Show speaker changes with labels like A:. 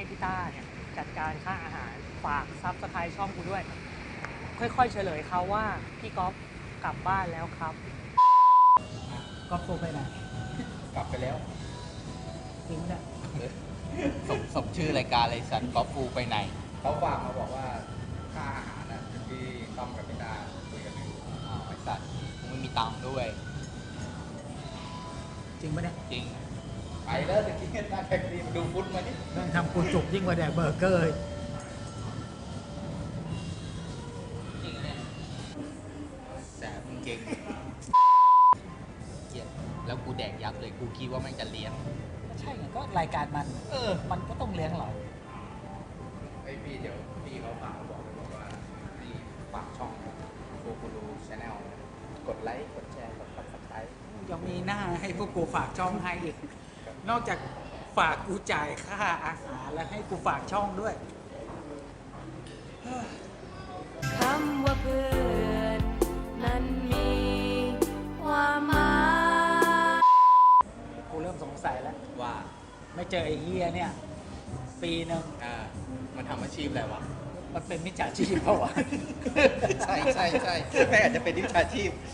A: พี่ต้าเนี่ยจัดการค่าอาหารฝากซับสไครต์ช่องกูด้วย ค่อยๆเฉลยเขาว่าพี่ก๊อฟกลับบ้านแล้วครับก๊อฟโทรไปไหน
B: กลับไปแล้ว
A: จริงไหมเนี่ย
C: สมชื่อรายการเลยสัตว์ก๊อฟฟูไปไหน
B: เขาฝากมาบอกว่าค่าอาหารน่ะที่ต้อมกับพี่ตาคุยกันอยู่
C: อ้าวไอสัตว์กูไม่มีตังค์ด้วย
A: จริงไหมเนี่ย
C: จริง
B: ไปแล้วตะกี้หน้าแท็กซี่มาดูฟุตมาดิ
A: แม่งทำกูจุกยิ่งกว่าแดกเบอร์เกอร์อีก
C: จริงเนี่ยแสบจริงเกลียดแล้วกูแดกยับเลย กูคิดว่ามันจะเลี้ยง
A: ก็ใช่ไงก็รายการมัน มันก็ต้องเลี้ยงเรา
B: ไอ้ยพี่เดี๋ยวพี่เขาฝากมาบอกเลยบอกว่าพี่ฝากช่องโฟกูรูชาแนลกดไลค์กดแชร์กดซับสไครต์
D: ยังมีหน้าให้พวกกูฝากช่องให้อีก นอกจากฝากกูจ่ายค่าอาหารแล้วให้กูฝากช่องด้วย
E: คำว่าเพื่อนนั้นมีความหมาย
D: กูเริ่มสงสัยแล้ว
C: ว่า
D: ไม่เจอไอ้เฮียเนี่ย ปีหนึ่ง
C: มันทำอาชีพอะไรวะ
D: มันเป็นมิจฉาชีพเปล่าวะ
C: ใช่แม่งอาจจะเป็นวิชาชีพ